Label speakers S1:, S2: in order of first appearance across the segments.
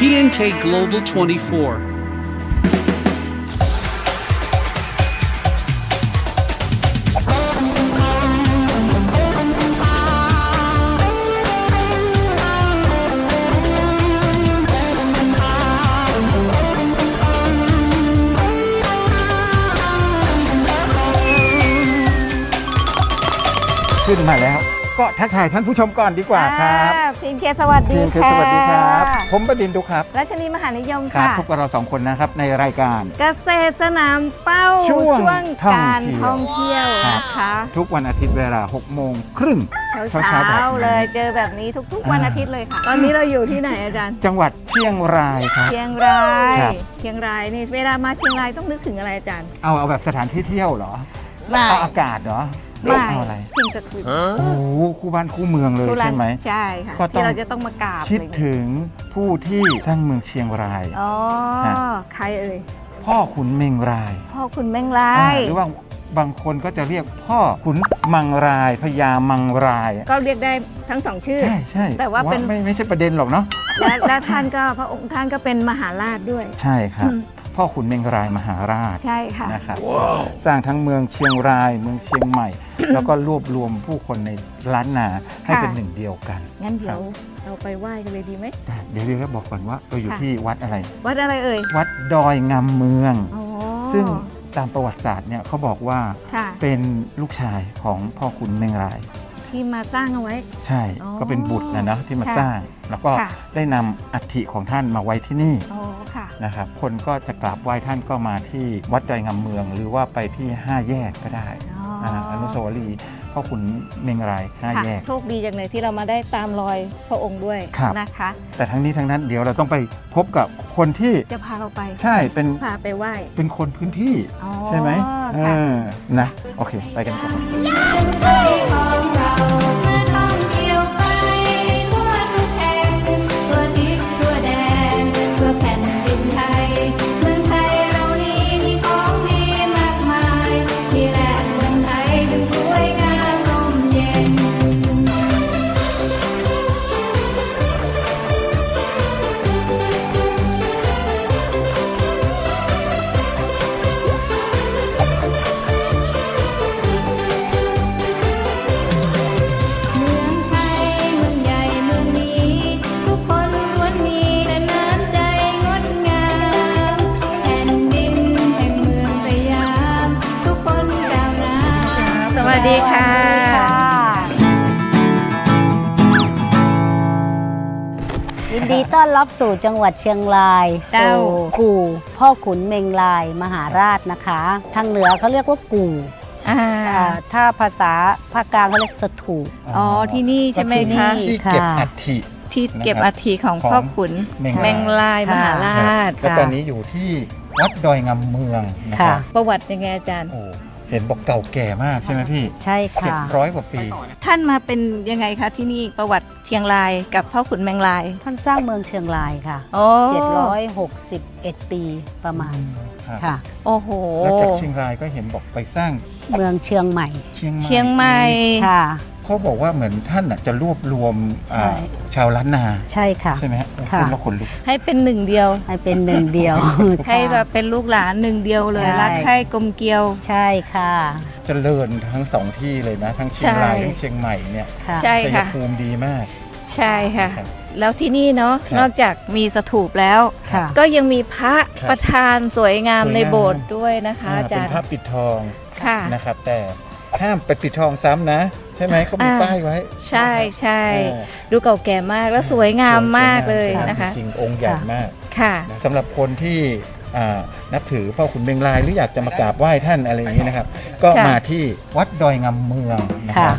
S1: PNK Global 24.
S2: ขึ้นมาแล้วก็ทักทายท่านผู้ชมก่อนดีกว่าครับ
S3: พีนเคสวัสดี
S2: PNK
S3: ค่ะ
S2: สวัสดีครับผมประดินดุครับ
S3: รัชนีมหานิยม
S2: ครับ
S3: ค่ะ
S2: พบกับเราสองคนนะครับในรายการ
S3: เกษตรสนามเป้า
S2: ช่วง
S3: การท่องเที่ยว
S2: ครับ
S3: นะคะ
S2: ทุกวันอาทิตย์เวลา 6 โมงครึ่ง
S3: เช้า
S2: เช้าๆแบบนี้
S3: เลยเจอแบบนี้ทุกๆวันอาทิตย์เลยค่ะ ตอนนี้เราอยู่ที่ไหนอาจารย์
S2: จังหวัดเชียงรายครับ
S3: เชียงราย
S2: ครับ
S3: เชียงรายนี่เวลามาเชียงรายต้องนึกถึงอะไรอาจารย์
S2: เอาแบบสถานที่เที่ยวเหรอ
S3: ไม่
S2: เอาอากาศเหรอ
S3: ไม่
S2: เอาอะไร
S3: สิ่งศักดิ์สิทธิ์
S2: โอ้โหคู่บ้านคู่เมืองเลย
S3: ทุรั
S2: ใช่ไหม
S3: ใช่ค่ะ
S2: ก็ต้อง
S3: ที่เราจะต้องมากราบ
S2: คิด
S3: อะไรอย่างเงี้ย
S2: ถึงผู้ที่สร้างเมืองเชียงราย
S3: อ๋อ
S2: ฮะ
S3: ใครเอ่ย
S2: พ่อขุนเมงราย
S3: พ่อคุณแมงลาย
S2: หรือว่าบางคนก็จะเรียกพ่อขุนมังรายพญามังราย
S3: ก็เรียกได้ทั้งสองชื่อ
S2: ใช่ใช่
S3: แต่ว่าเป็น
S2: ไม่ใช่ประเด็นหรอกเนาะ
S3: และท่านก็พระองค์ท่านก็เป็นมหาราชด้วย
S2: ใช่ครับ
S3: อืม
S2: พ่อขุนเมงรายมหาราช
S3: ใช่ค่ะ
S2: นะครับสร้างทั้งเมืองเชียงรายเมืองเชียงใหม่ แล้วก็รวบรวมผู้คนในล้านนาให้เป็นหนึ่งเดียวกัน
S3: งั้นเดี๋ยวเราไปไหว้กันเลยดีไหม
S2: เดี๋ยวเราบอกก่อนว่าเราอยู่
S3: ค่ะ
S2: ที่วัดอะไร
S3: วัดอะไรเอ่ย
S2: วัดดอยงามเมือง
S3: อ๋อ
S2: ซึ่งตามประวัติศาสตร์เนี่ยเขาบอกว่า
S3: ค่ะ
S2: เป็นลูกชายของพ่อขุนเมงราย
S3: ที่มาสร้างเอาไว้
S2: ใช่
S3: อ๋อ
S2: ก็เป็นบุตรนะที่มา
S3: ค่ะ
S2: สร้าง แล้วก็
S3: ค่ะ
S2: ได้นำอัฐิของท่านมาไว้ที่นี่
S3: อ๋อค่ะ
S2: นะครับคนก็จะกราบไหว้ท่านก็มาที่วัดดอยงามเมือง หรือว่าไปที่ 5 แยกก็ได้
S3: อ๋อ
S2: อนุสาวรีย์พ่อขุนเมงราย
S3: ค่ะ
S2: 5 แยก
S3: โชคดีจังเลยที่เรามาได้ตามรอยพระองค์ด้วย
S2: ครับ
S3: นะคะ
S2: แต่ทั้งนี้ทั้งนั้นเดี๋ยวเราต้องไปพบกับคนที่
S3: จะพาเราไป
S2: ใช่เป็น
S3: พาไปไหว้
S2: เป็นคนพื้นที่
S3: อ๋อ
S2: ใช่ไหม
S3: ค่ะ
S2: นะโอเค ไปกันก่อน
S4: ไทยของเราเมื่อท่องเที่ยวไปทั่วทุกแห่งทั่วทิศทั่วแดนทั่วแผ่นดินไทยเมืองไทยเรานี้มีของดีมากมายที่แรกเมืองไทยจึงสวยงามร่มเย็น เมืองไทยเมืองใหญ่เมืองนี้ ทุกคนล้วนมีแต่น้ำใจงดงามแผ่นดินแห่งเมืองสยาม ทุกคนก้าวหน้า
S3: สวัสดีค่ะ
S5: ยินดีต้อนรับสู่จังหวัดเชียงราย
S3: เจ้า
S5: สู่กู่พ่อขุนเมงลายมหาราชนะคะ ทางเหนือเขาเรียกว่ากู่
S3: อ่า
S5: ถ้าภาษาภาคกลางเขาเรียกสถูป
S3: อ๋อที่นี่ใช่ไหม
S5: ที่นี่
S3: คะ
S2: ที่เก็บ
S5: ค่ะ
S2: อัฐิ
S3: ที่เก็บ
S2: นะครับ
S3: อัฐิของ
S2: ของ
S3: พ่อขุน
S2: เมง
S3: แมงลายมหาราช
S2: แล้วตอนนี้อยู่ที่วัดดอยงามเมืองนะครับ
S3: ประวัติยังไงอาจารย์
S2: โอ้เห็นบอกเก่าแก่มากใช่ไหมพี่
S5: ใช่ค่ะ
S2: 700 กว่าปี
S3: ท่านมาเป็นยังไงคะที่นี่ประวัติเชียงรายกับพ่อขุนแมงลาย
S5: ท่านสร้างเมืองเชียงรายค่ะ
S3: โอ้
S5: 761 ปีประมาณ
S2: ครับ
S5: ค่ะ
S3: โอ้โห
S2: แล้วจากเชียงรายก็เห็นบอกไปสร้าง
S5: เมืองเชียงใหม่
S2: เชียงใหม่
S3: เชียงใหม่
S5: ค่ะ
S2: เขาบอกว่าเหมือนท่านน่ะจะรวบรวม
S5: ใช่
S2: ชาวล้านนา
S5: ใช่ค่ะ
S2: ใช่ไหมฮะ
S5: ค่ะ
S2: พูดแล้วขนลุก
S3: ให้เป็นหนึ่งเดียว
S5: ให้เป็นหนึ่งเดียว
S3: ให้แบบเป็นลูกหลานหนึ่งเดียวเลย
S5: ใช่
S3: รักใคร่กลมเกลียว
S5: ใช่ค่ะ
S2: เจริญทั้งสองที่เลยนะ ทั้งเชียงราย
S3: ใช่
S2: ทั้งเชียงใหม่เนี่ย
S5: ค่ะ
S3: ใช่
S2: ชัย
S3: ค่ะ
S2: ภูมิดีมาก
S3: ใช่ค่ะ
S2: ครับ
S3: แล้วที่นี่เนาะ
S2: ครับ
S3: นอกจากมีสถูปแล้ว
S5: ค่ะ
S3: ก็ยังมีพระ
S2: ครับ
S3: ประธานสวยงาม
S2: สวยงาม
S3: ในโบสถ์ด้วยนะคะอา
S2: เป็
S3: จาน รย์
S2: พระปิดทอง
S3: ค่ะ
S2: นะครับ แต่ห้ามไปปิดทองซ้ำนะ ใช่ไหมเขามี
S3: อ่า
S2: ป้ายไว้
S3: ใช่ใช่
S2: อ่า
S3: ดูเก่าแก่มากแล้วสวยงามมากเลย
S2: สวงาม
S3: นะคะ
S2: จริงๆองค์ใหญ่มาก
S3: ค่ะ
S2: สำหรับคนที่นับถือพ่อขุนเมงลายหรืออยากจะมากราบไหว้ท่านอะไรอย่างนี้นะครับ ก็
S3: ค่ะ
S2: มาที่วัดดอยงามเมืองนะครับ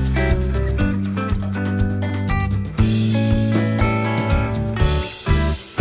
S4: เ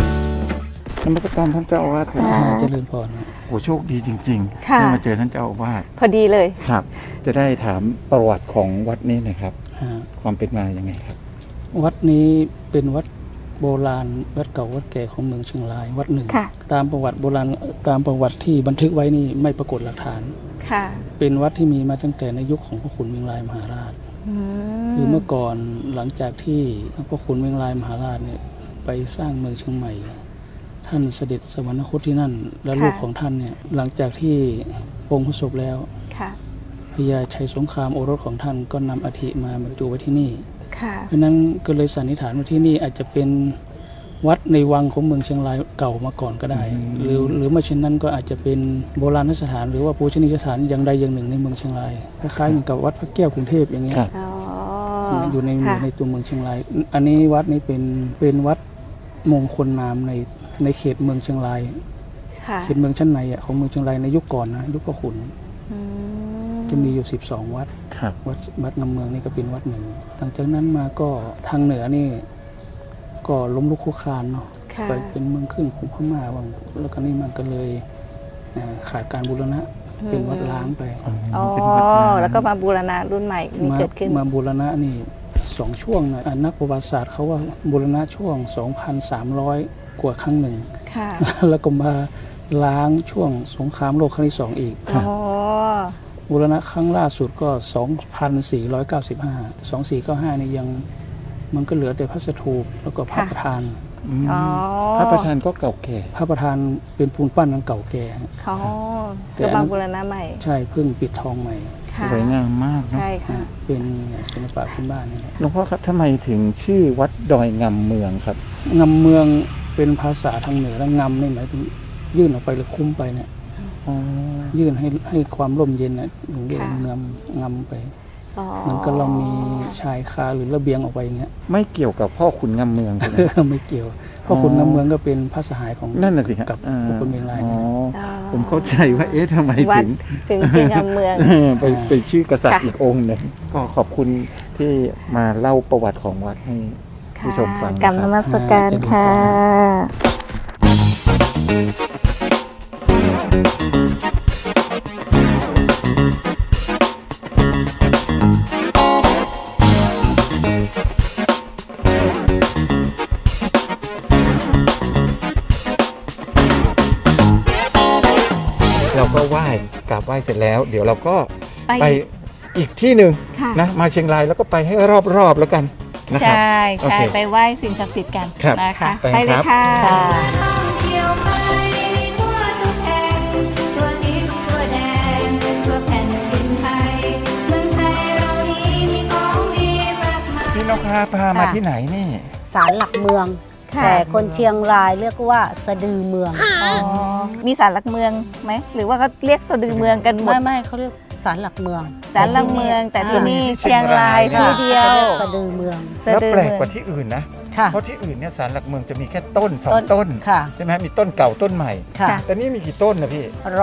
S2: การท่านเจ้าอาวาสครับ
S6: เจริญพรนะ
S2: โอ้โชคดีจริงๆ
S3: ค่ะ
S2: ได้มาเจอท่านเจ้าอาวาส
S3: พอดีเลย
S2: ครับ จะได้ถามประวัติของวัดนี้หนะครับ
S6: ฮะ
S2: ความเป็นมายังไงครับ
S6: วัดนี้เป็นวัดโบราณวัดเก่าวัดแก่ของเมืองเชียงรายวัดหนึ่ง
S3: ค่ะ
S6: ตามประวัติโบราณตามประวัติที่บันทึกไว้นี่ไม่ปรากฏหลักฐาน
S3: ค่ะ
S6: เป็นวัดที่มีมาตั้งแต่ในยุคของพระขุนเมืองรายมหาราช คือเมื่อก่อนหลังจากที่พระขุนเมืองรายมหาราชเนี่ยไปสร้างเมืองเชียงใหม่ ท่านเสด็จสวรรคตที่นั่น และลูกของท่านเนี่ยหลังจากที่พระองค์ประสบแล้ว
S3: ค่ะ
S6: พญาชัยสงครามโอรสของท่านก็นำอัฐิมาบรรจุไว้ที่นี่
S3: ค่ะ
S6: เพราะฉะนั้นก็เลยสันนิษฐานว่าที่นี่อาจจะเป็นวัดในวังของเมืองเชียงรายเก่ามาก่อนก็ได้ หรือไม่เช่นนั้นก็อาจจะเป็นโบราณสถานหรือว่าปูชนียสถานอย่างใดอย่างหนึ่งในเมืองเชียงรายคล้ายๆเหมือนกับวัดพระแก้วกรุงเทพอย่างเงี้ย
S2: ครับ
S3: อ๋อ
S6: อยู่ใน
S3: ค่ะ
S6: ในตัวเมืองเชียงราย อันนี้วัดนี้เป็นวัดมงคลนามในเขตเมืองเชียงราย
S3: ค่ะ
S6: เขตเมืองชั้นในอะของเมืองเชียงรายในยุคก่อนนะยุคพระขุน
S3: อืม
S6: จะมีอยู่12 วัด
S2: ครับ
S6: วัดงำเมืองนี่ก็เป็นวัดหนึ่ง หลังจากนั้นมาก็ทางเหนือนี่ก็ล้มลุกคลุกคลานเนาะ
S3: ค่ะ
S6: ไปเป็นเมืองขึ้นของพม่าบ้างแล้วก็นี่มันก็เลยขาดการบูรณะเป็นวัดล้างไป
S3: อ๋อ
S2: เป็นวัดร้าง
S3: แล้วก็มาบูรณะรุ่นใหม่มีเกิดขึ้น
S6: มาบูรณะนี่2 ช่วงนะนักประวัติศาสตร์เขาว่าบูรณะช่วง 2,300 กว่าครั้งหนึ่ง
S3: ค่ะ
S6: แล้วก็มาล้างช่วงสงครามโลกครั้งที่2อีก
S3: อ๋อ
S6: บูรณะครั้งล่าสุดก็ 2,495 2495นี่ยังมันก็เหลือแต่พระสถูปแล้วก็พระประธาน
S2: ม
S3: อ๋อ
S2: พระประธานก็เก่าแก่
S6: พระประธานเป็นปูนปั้นอันเก่าแก่
S3: เขา
S6: แต่
S3: ก็
S6: อันนั้
S3: มาน บูรณะใหม่
S6: ใช่เพิ่งปิดทองใหม่
S3: ค่ะ
S2: สวยงามมากเนอะ
S3: ใช่ค่ะ
S6: เป็นศิลปะพื้นบ้านนี่แหละ
S2: หลวงพ่อครับทำไมถึงชื่อวัดดอยงำเมืองครับ
S6: งำเมืองเป็นภาษาทางเหนือแล้วงำนี่หมายถึงยื่นออกไปหรือคุ้มไปเนี่ย
S2: อ๋อ
S6: ยื่นให้ความร่มเย็นนะถึงเรียก
S3: ค่ะ
S6: งำไป
S3: อ๋อ
S6: เหมันก็เรามีชายคาหรือระเบียงออกไปอย่างเงี้ย
S2: ไม่เกี่ยวกับพ่อขุนงำเมืองใช่ไหม
S6: ไม่เกี่ยว เพราะคนงำเมืองก็เป็นพระสหายของ
S2: นั่นน่ะสิครับ
S6: กับ
S2: อ่า
S6: พวกคนเมืองลาย
S2: อ๋อ
S6: เนี่ย
S3: อ๋อ
S2: ผมเข้าใจว่าเอ๊ะทำไม
S3: วัด
S2: ถึง
S3: ถึงชื่องามเมือง
S2: ไปชื่อกษัตริย์
S3: ค่ะ
S2: อีกองค์หนึ่งก็ขอบคุณที่มาเล่าประวัติของวัดให้ผู้ชมฟัง
S3: กรรมนมัสการค่ะ
S2: เราก็ไหว้กราบไหว้เสร็จแล้ว เดี๋ยวเราก็
S3: ไป
S2: ไปอีกที่หนึ่ง
S3: ค่ะ
S2: นะมาเชียงรายแล้วก็ไปให้รอบๆแล้วกันนะครับ
S3: ใช่ใช่
S2: โอเค
S3: ไปไหว้สิ่งศักดิ์สิทธิ์กัน
S2: ครับ
S3: นะคะ
S2: ไป
S3: ไปเลย
S2: ครับ
S3: ค่ะ
S5: ค่ะ
S4: ท่องเที่ยวไปทั่วทุกแห่งทั่วทิศทั่วแดนทั่วแผ่นดินไทยเมืองไทยเรานี้มีของดีมากมาย
S2: พี่นกพาพามาที่ไหนนี่
S5: ศาลหลักเมือง
S3: ค่ะ
S5: แต่คนเชียงรายเรียกว่าสะดือเมือง
S3: อ๋อมีศาลหลักเมืองไหมหรือว่าก็เรียกสะดือเมืองกันหมด
S5: ไม่เขาเรียกศาลหลักเมือง
S3: ศาลหลักเมือง แต่ที่นี่
S2: ที่เชี
S3: เชี
S2: ย
S3: ย
S2: ง
S3: ง
S2: ราร
S3: าย ยที่เดียว
S5: ขารีกสะดือเมือง
S3: สะ
S2: แล้ว
S3: ดือ
S2: แปลก
S3: เมือง
S2: กว่าที่อื่นนะ
S5: ค่ะ
S2: เพราะที่อื่นเนี่ยศาลหลักเมืองจะมีแค่ต้นสองต้น
S5: ค่ะ
S2: ใช่ไหมมีต้นเก่าต้นใหม่
S5: ค่ะ
S2: แต่นี่มีกี่ต้นนะพี่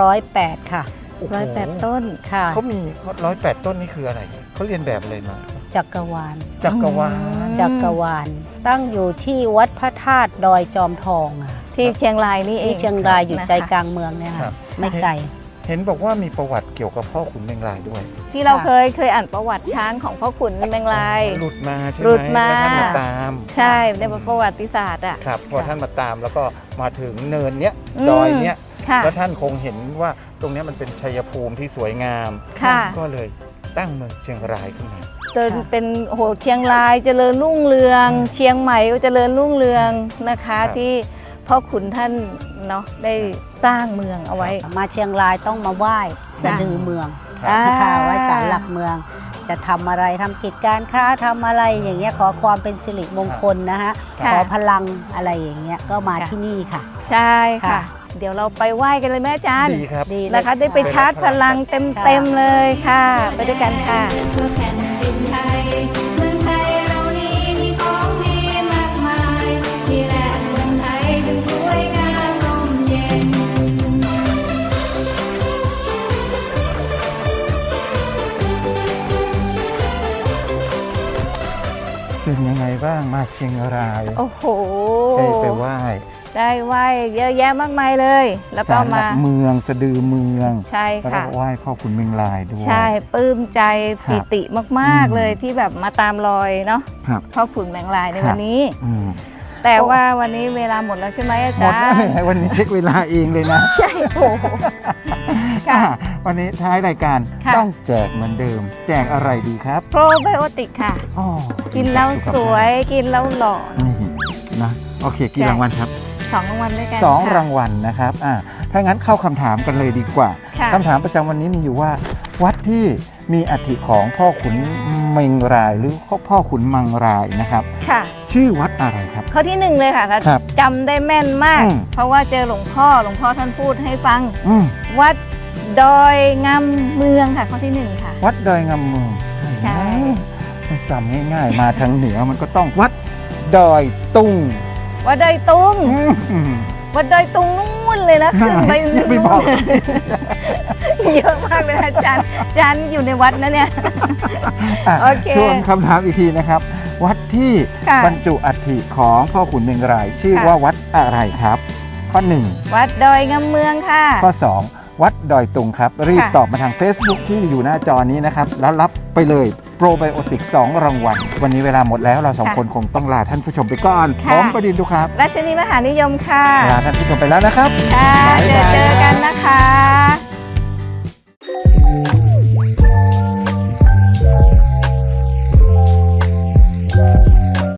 S5: 108 ค่ะ
S2: โอ้โห
S3: 108 ต้น
S5: ค่ะ
S2: เขามี108 ต้นนี่คืออะไรเขาเรียนแบบอะไรมา
S5: จักรวาล
S2: จักรวาล
S5: จักรวาล ตั้งอยู่ที่วัดพระธาตุดอยจอมทองอะ
S3: ที่เชียงรายนี่เอง
S5: ที่เชียงรายอยู่
S3: นะคะ
S5: ใจกลางเมืองเนี่ย
S2: ครั
S5: ค่ะ
S2: บ
S5: ไม่ไกล
S2: เห็นบอกว่ามีประวัติเกี่ยวกับพ่อขุนเมงรายด้วย
S3: ที่เรา
S5: ค่ะ
S3: เคยอ่านประวัติช้างของพ่อขุนเมงลาย
S2: หลุดมาใช่ไหม
S3: หลุดมา
S2: แล้วท่านมาตาม
S3: ใช่ในประวัติศาสตร์อ่ะ
S2: ครับพอท่านมาตามแล้วก็มาถึงเนินเนี้ย
S3: อืม
S2: ดอยเนี้ย
S3: ค่ะ
S2: แล้วท่านคงเห็นว่าตรงเนี้ยมันเป็นชัยภูมิที่สวยงาม
S3: ค่ะ
S2: ก็เลยตั้งเมืองเชียงรายขึ้นมา
S3: จนเป็นโอ้โหเชียงรายเจริญรุ่งเรือง เชียงใหม่ก็เจริญรุ่งเรืองนะคะ
S2: ครับ
S3: ที่พ่อขุนท่านเนาะได้สร้างเมืองเอาไว้
S5: มาเชียงรายต้องมาไหว้สะดือเมือง
S3: อ่า
S5: ค่ะไหว้ศาลหลักเมือง จะทำอะไรทำกิจการค้าทำอะไรอย่างเงี้ยขอความเป็นสิริมงคลนะฮะ
S3: ค่ะ
S5: ขอพลังอะไรอย่างเงี้ยก็มาที่นี่ค่ะ
S3: ใช่ค่ะ
S5: ค่ะ
S3: เดี๋ยวเราไปไหว้กันเลยแม่อาจารย์
S2: ดีครับ
S5: ดีเลย
S3: นะคะได้ไปชาร์จพลังเต็มๆเลยค่ะ ไปด้วยกันค่ะ
S4: ทั่วแผ่นดินไทยเมืองไทยเรานี้มีของดีมากมายที่แหละเมืองไทยจึงสวยงามร่มเย็น
S2: เป็นยังไงบ้างมาเชียงราย
S3: โอ้โห
S2: ได้ไปไหว้
S3: ได้ไหว้เยอะแยะมากมายเลย แล้วก็
S2: ศาลหลั
S3: มา
S2: กเมืองสะดือเมือง
S3: ใช่
S2: แล้วก็
S3: ค่ะ
S2: ไหว้พ่อขุนเมืองลายด้วย
S3: ใช่ปลื้มใจปิติมาก
S2: อืม
S3: ๆเลยที่แบบมาตามรอยเนาะ
S2: ครับ
S3: พ่อขุนแมงลายใน
S2: ครับ
S3: วันนี้
S2: อืม
S3: แต่ว่าวันนี้เวลาหมดแล้วใช่ไหมอา
S2: หมด
S3: จาร
S2: แล้ว
S3: ย์
S2: แหมวันนี้เช็คเวลาเองเลยนะ
S3: ใช่โอ้โห ค่ะ
S2: วันนี้ท้ายรายการ
S3: ค่ะ
S2: ต้องแจกเหมือนเดิม แจกอะไรดีครับ
S3: โปรไบโอติกค่ะ
S2: อ๋อ
S3: กินแล้ว
S2: สุขภาพ
S3: สวยกินแล้วหล่อ
S2: นี่นะโอเคกี่
S3: ใช่
S2: รางวัลครับ
S3: 2 รางวัลด้วยกัน
S2: สอง
S3: ค่ะ
S2: รางวัลนะครับถ้างั้นเข้าคำถามกันเลยดีกว่า
S3: ค่ะ
S2: คำถามประจำวันนี้มีอยู่ว่า วัดที่มีอัฐิของพ่อขุนเมงรายหรือพ่อขุนมังรายนะครับ
S3: ค่ะ
S2: ชื่อวัดอะไรครับ
S3: ข้อที่ 1 เลยค่ะ
S2: ครับ
S3: จำได้แม่นมาก
S2: อืม
S3: เพราะว่าเจอหลวงพ่อท่านพูดให้ฟัง
S2: อืม
S3: วัดดอยงามเมืองค่ะ ข้อที่ 1 ค่ะ
S2: วัดดอยงามเมือง
S3: ใช่
S2: มันจำง่ายๆ มาทางเหนือมันก็ต้องวัดดอยตุง
S3: วัดดอยตุง
S2: อืม
S3: วัดดอยตุงนู่นเลยนะขึ้นไป
S2: อย่าไปบอก
S3: เยอะมากเลยนะอาจารย์อยู่ในวัดนะเนี่ย
S2: อ่ะ
S3: โอเค
S2: ช่วงคำถามอีกทีนะครับ วัดที่
S3: ค่ะ
S2: บรรจุอัฐิของพ่อขุนเมงราย ชื่อ
S3: ค่ะ
S2: ว่าวัดอะไรครับ ข้อ
S3: วัดดอยงามเมืองค่ะ
S2: 1 ข้อ 2 วัดดอยตุงครับ รีบ
S3: ค่ะ
S2: ตอบมาทาง Facebook ที่อยู่หน้าจอนี้นะครับ แล้วรับไปเลยโปรไบโอติก 2 รางวัล วันนี้เวลาหมดแล้วเราสองคนคงต้องลาท่านผู้ชมไปก่อน ผมประดินทุกครับ
S3: ราชินีมหานิยมค่ะ
S2: ลาท่านผู้ชมไปแล้วนะครับ
S3: ค่ะ
S2: บ๊ายบาย
S3: เจอกันนะคะ